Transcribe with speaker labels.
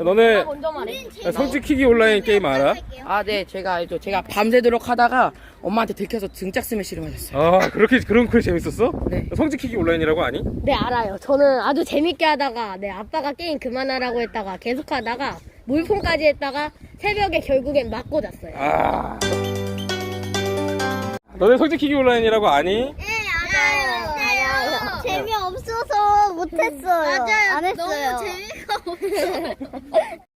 Speaker 1: 너네
Speaker 2: 먼저 말해.
Speaker 1: 성지키기 온라인 게임 알아?
Speaker 2: 아, 네, 제가 알죠. 제가 밤새도록 하다가 엄마한테 들켜서 등짝 스매시를 맞았어요.
Speaker 1: 아 그런 거 재밌었어?
Speaker 2: 네.
Speaker 1: 성지키기 온라인이라고 아니?
Speaker 3: 네, 알아요. 저는 아주 재밌게 하다가, 네, 아빠가 게임 그만하라고 했다가, 계속 하다가, 물폰까지 했다가, 새벽에 결국엔 맞고 잤어요.
Speaker 1: 아 너네 성지키기 온라인이라고 아니?
Speaker 4: 네, 알아요. 재미없어서 못했어요. 맞아요. 안 했어요. 너무 재미가 없어.